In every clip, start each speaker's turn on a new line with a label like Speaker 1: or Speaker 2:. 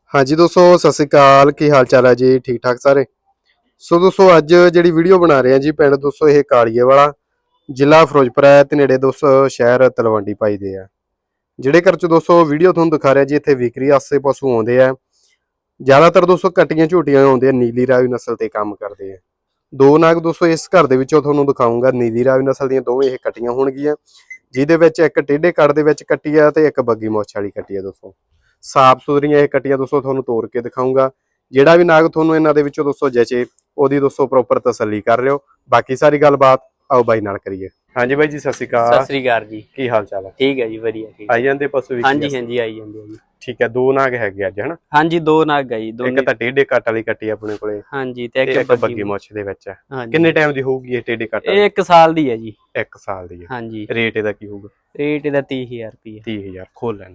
Speaker 1: हाँ जी दोस्तों सत श्री अकाल की हाल चाल है जी ठीक ठाक सारे। सो दोस्तों अज जी वीडियो बना रहे हैं जी पिंड दोस्तों ये कालीए वाला जिला फिरोजपुर है ते नेड़े दोस्तों शहर तलवंडी पाई दे है। ਜਿਹੜੇ ਘਰ 'ਚ ਦੋਸਤੋ ਵੀਡੀਓ ਤੁਹਾਨੂੰ ਦਿਖਾ ਰਿਹਾ ਜੀ ਇੱਥੇ ਵਿਕਰੀ ਵਾਸਤੇ ਪਸ਼ੂ ਆਉਂਦੇ ਆ। ਜ਼ਿਆਦਾਤਰ ਦੋਸਤੋ ਕੱਟੀਆਂ ਝੋਟੀਆਂ ਆਉਂਦੇ ਆ, ਨੀਲੀ ਰਾਵੀ ਨਸਲ ਤੇ ਕੰਮ ਕਰਦੇ ਆ। ਦੋ ਨਾਗ ਦੋਸਤੋ ਇਸ ਘਰ ਦੇ ਵਿੱਚੋਂ ਤੁਹਾਨੂੰ ਦਿਖਾਉਂਗਾ, ਨੀਲੀ ਰਾਵੀ ਨਸਲ ਦੀਆਂ ਦੋਵੇਂ ਇਹ ਕੱਟੀਆਂ ਹੋਣਗੀਆਂ, ਜਿਹਦੇ ਵਿੱਚ ਇੱਕ ਟੇਢੇ ਕੱਟ ਦੇ ਵਿੱਚ ਕੱਟੀ ਆ ਤੇ ਇੱਕ ਬੱਗੀ ਮੁੱਛ ਵਾਲੀ ਕੱਟੀ ਆ। ਦੋਸਤੋ ਸਾਫ ਸੁਥਰੀਆਂ ਇਹ ਕੱਟੀਆਂ ਦੋਸਤੋ ਤੁਹਾਨੂੰ ਤੋੜ ਕੇ ਦਿਖਾਉਂਗਾ। ਜਿਹੜਾ ਵੀ ਨਾਗ ਤੁਹਾਨੂੰ ਇਹਨਾਂ ਦੇ ਵਿੱਚੋਂ ਦੋਸਤੋ ਜਚੇ ਉਹਦੀ ਦੋਸਤੋ ਪ੍ਰੋਪਰ ਤਸੱਲੀ ਕਰ ਲਿਓ। ਬਾਕੀ ਸਾਰੀ ਗੱਲਬਾਤ ਆਓ ਬਾਈ ਨਾਲ ਕਰੀਏ। ਹਾਂਜੀ ਬਾਈ ਜੀ ਸਤਿ ਸ਼੍ਰੀ ਅਕਾਲ।
Speaker 2: ਸਤਿ ਸ੍ਰੀ ਅਕਾਲ ਜੀ।
Speaker 1: ਕੀ ਹਾਲ ਚਾਲ ਹੈ?
Speaker 2: ਠੀਕ ਹੈ ਜੀ, ਵਧੀਆ ਠੀਕ।
Speaker 1: ਆਈ ਜਾਂਦੇ ਪਸ਼ੂ ਵੀ?
Speaker 2: ਹਾਂਜੀ ਹਾਂਜੀ ਆਈ ਜਾਂਦੇ ਆ ਜੀ।
Speaker 1: ਠੀਕ ਹੈ, ਦੋ ਨਾਗ ਹੈਗੇ ਅੱਜ ਹਨਾ?
Speaker 2: ਹਾਂਜੀ ਦੋ ਨਾਗ ਆ ਜੀ,
Speaker 1: ਇੱਕ ਤਾਂ ਟੇਢੇ ਕੱਟ ਵਾਲੀ ਕੱਟੀ ਆਪਣੇ ਕੋਲੇ,
Speaker 2: ਹਾਂਜੀ, ਤੇ
Speaker 1: ਇੱਕ ਬੱਗੀ ਮੁੱਛ ਦੇ ਵਿੱਚ ਹੈ।
Speaker 2: ਹਾਂਜੀ।
Speaker 1: ਕਿੰਨੇ ਟਾਈਮ ਦੀ ਹੋਊਗੀ ਇਹ ਟੇਢੇ ਕੱਟ?
Speaker 2: ਇਹ 1 ਸਾਲ ਦੀ ਹੈ ਜੀ।
Speaker 1: 1 ਸਾਲ ਦੀ ਹੈ।
Speaker 2: ਹਾਂਜੀ।
Speaker 1: ਰੇਟ ਇਹਦਾ ਕੀ ਹੋਊਗਾ?
Speaker 2: ਰੇਟ ਇਹਦਾ 30,000 ਰੁਪਏ।
Speaker 1: 30,000 ਖੋਲ ਲੈਣ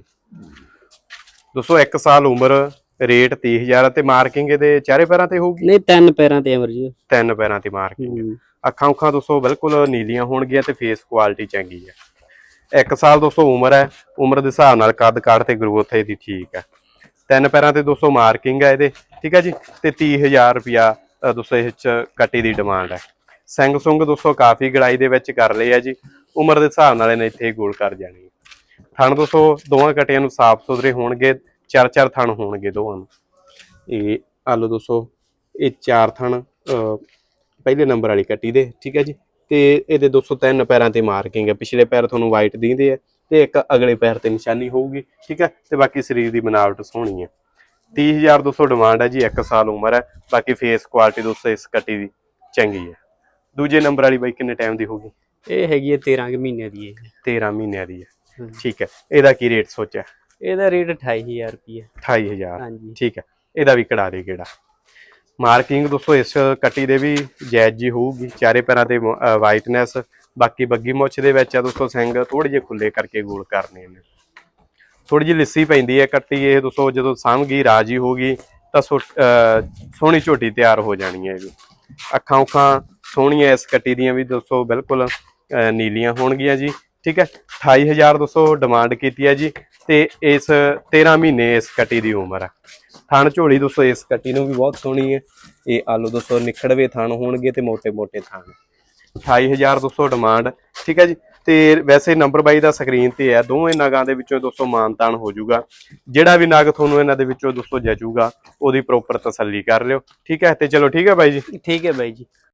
Speaker 1: ਦੋਸਤੋ। 1 ਸਾਲ ਉਮਰ, ਰੇਟ 30,000 ਤੇ ਮਾਰਕਿੰਗ ਇਹਦੇ ਚਾਰੇ ਪੈਰਾਂ ਤੇ ਹੋਊਗੀ?
Speaker 2: ਨਹੀਂ 3 ਪੈਰਾਂ ਤੇ ਅਮਰ ਜੀ।
Speaker 1: 3 ਪੈਰਾਂ ਤੇ ਮਾਰਕਿੰਗ। ਅੱਖਾਂ ਉੱਖਾਂ ਦੋਸਤੋ ਬਿਲਕੁਲ ਨੀਲੀਆਂ ਹੋਣਗੀਆਂ ਤੇ ਫੇਸ ਕੁਆਲਿਟੀ ਚੰਗੀ ਹੈ। 1 ਸਾਲ ਦੋਸਤੋ ਉਮਰ ਹੈ। ਉਮਰ ਦੇ ਹਿਸਾਬ ਨਾਲ ਕੱਦ ਕਾਠ ਤੇ ਗਰੋਥ ਇਹਦੀ ਠੀਕ ਹੈ। 3 ਪੈਰਾਂ ਤੇ ਦੋਸਤੋ ਮਾਰਕਿੰਗ ਹੈ ਇਹਦੇ, ਠੀਕ ਹੈ ਜੀ। ਤੇ 30,000 ਰੁਪਿਆ ਦੋਸਤੋ ਇਹ ਚ ਕੱਟੀ ਦੀ ਡਿਮਾਂਡ ਹੈ। ਸਿੰਘ ਸੁੰਗ ਦੋਸਤੋ ਕਾਫੀ ਗੜਾਈ ਦੇ ਵਿੱਚ ਕਰ ਲਏ ਆ ਜੀ। ਉਮਰ ਦੇ ਹਿਸਾਬ ਨਾਲ ਇਹਨੇ ਇੱਥੇ ਗੋਲ ਕਰ ਜਾਣੀ। ਥਣ ਦੋਸਤੋ ਦੋਵਾਂ ਕੱਟੀਆਂ ਨੂੰ ਸਾਫ ਸੁਥਰੇ ਹੋਣਗੇ, 4-4 ਥਣ ਹੋਣਗੇ ਦੋਵਾਂ ਨੂੰ। ਇਹ ਆਲੋ ਦੋਸਤੋ ਇਹ 4 ਥਣ ਪਹਿਲੇ ਨੰਬਰ ਵਾਲੀ ਕੱਟੀ ਦੇ, ਠੀਕ ਹੈ ਜੀ। ਤੇ ਇਹਦੇ 203 ਪੈਰਾਂ ਤੇ ਮਾਰਕਿੰਗ ਹੈ। ਪਿਛਲੇ ਪੈਰ ਤੁਹਾਨੂੰ ਵਾਈਟ ਦਿਖਦੇ ਆ ਤੇ ਇੱਕ ਅਗਲੇ ਪੈਰ ਤੇ ਨਿਸ਼ਾਨੀ ਹੋਊਗੀ, ਠੀਕ ਹੈ। ਤੇ ਬਾਕੀ ਸਰੀਰ ਦੀ ਬਣਾਵਟ ਸੋਹਣੀ ਹੈ। 30,000 ਦੋਸਤੋ ਡਿਮਾਂਡ ਹੈ ਜੀ। 1 ਸਾਲ ਉਮਰ ਹੈ। ਬਾਕੀ ਫੇਸ ਕੁਆਲਿਟੀ ਦੋਸਤੋ ਇਸ ਕੱਟੀ ਦੀ ਚੰਗੀ ਹੈ। ਦੂਜੇ ਨੰਬਰ ਵਾਲੀ ਬਾਈ ਕਿੰਨੇ ਟਾਈਮ ਦੀ ਹੋਊਗੀ?
Speaker 2: ਇਹ ਹੈਗੀ ਹੈ 13 ਮਹੀਨੇ ਦੀ ਹੈ।
Speaker 1: 13 ਮਹੀਨਿਆਂ ਦੀ ਹੈ, ਠੀਕ ਹੈ। ਇਹਦਾ ਕੀ ਰੇਟ ਸੋਚਿਆ?
Speaker 2: ਇਹਦਾ ਰੇਟ 28,000 ਰੁਪਏ।
Speaker 1: 28,000,
Speaker 2: ਹਾਂਜੀ
Speaker 1: ਠੀਕ ਹੈ। ਇਹਦਾ ਵੀ ਕਢਾ ਦੇ ਕਿਹੜਾ। ਮਾਰਕਿੰਗ ਦੋਸਤੋ ਇਸ ਕੱਟੀ ਦੇ ਵੀ ਜਾਇਜ਼ ਜੀ ਹੋਊਗੀ। ਚਾਰੇ ਪੈਰਾਂ ਤੇ ਵਾਈਟਨੈਸ, ਬਾਕੀ ਬੱਗੀ ਮੁੱਛ ਦੇ ਵਿੱਚ ਆ ਦੋਸਤੋ ਸਿੰਘ ਥੋੜੇ ਜਿਹੇ ਖੁੱਲੇ ਕਰਕੇ ਗੋਲ ਕਰਨੇ ਨੇ। ਥੋੜੀ ਜਿਹੀ ਲਿੱਸੀ ਪੈਂਦੀ ਹੈ ਕੱਟੀ ਇਹ ਦੋਸਤੋ। ਜਦੋਂ ਸਾਂਭਗੀ ਰਾਜੀ ਹੋਗੀ ਤਾਂ ਸੋਹਣੀ ਝੋਟੀ ਤਿਆਰ ਹੋ ਜਾਣੀ ਹੈ। ਇਹਦੀ ਅੱਖਾਂ ਉੱਖਾਂ ਸੋਹਣੀਆਂ ਇਸ ਕੱਟੀ ਦੀਆਂ ਵੀ ਦੋਸਤੋ ਬਿਲਕੁਲ ਨੀਲੀਆਂ ਹੋਣਗੀਆਂ ਜੀ, ਠੀਕ ਹੈ। 28,000 ਦੋਸਤੋ ਡਿਮਾਂਡ ਕੀਤੀ ਹੈ ਜੀ। ਤੇ ਇਸ 13 ਮਹੀਨੇ ਇਸ ਕੱਟੀ ਦੀ ਉਮਰ ਹੈ। ਥਣ ਝੋਲੀ ਦੋਸਤੋ ਇਸ ਕੱਟੀ ਨੂੰ ਵੀ ਬਹੁਤ ਸੋਹਣੀ ਹੈ। ਇਹ ਆਲੂ ਦੋਸਤੋ ਨਿਖੜਵੇ ਥਣ ਹੋਣਗੇ ਤੇ ਮੋਟੇ ਮੋਟੇ ਥਣ। 28,000 ਦੋਸਤੋ ਡਿਮਾਂਡ, ਠੀਕ ਹੈ ਜੀ। ਤੇ ਵੈਸੇ ਨੰਬਰ 22 ਦਾ ਸਕਰੀਨ ਤੇ ਹੈ। ਦੋਵੇਂ ਨਾਗਾਂ ਦੇ ਵਿੱਚੋਂ ਦੋਸਤੋ ਮਾਨਤਾਨ ਹੋ ਜਾਊਗਾ। ਜਿਹੜਾ ਵੀ ਨਾਗ ਤੁਹਾਨੂੰ ਇਹਨਾਂ ਦੇ ਵਿੱਚੋਂ ਦੋਸਤੋ ਜਚੂਗਾ ਉਹਦੀ ਪ੍ਰੋਪਰ ਤਸੱਲੀ ਕਰ ਲਿਓ, ਠੀਕ ਹੈ। ਤੇ ਚਲੋ ਠੀਕ ਹੈ ਬਾਈ ਜੀ।
Speaker 2: ਠੀਕ ਹੈ ਬਾਈ ਜੀ।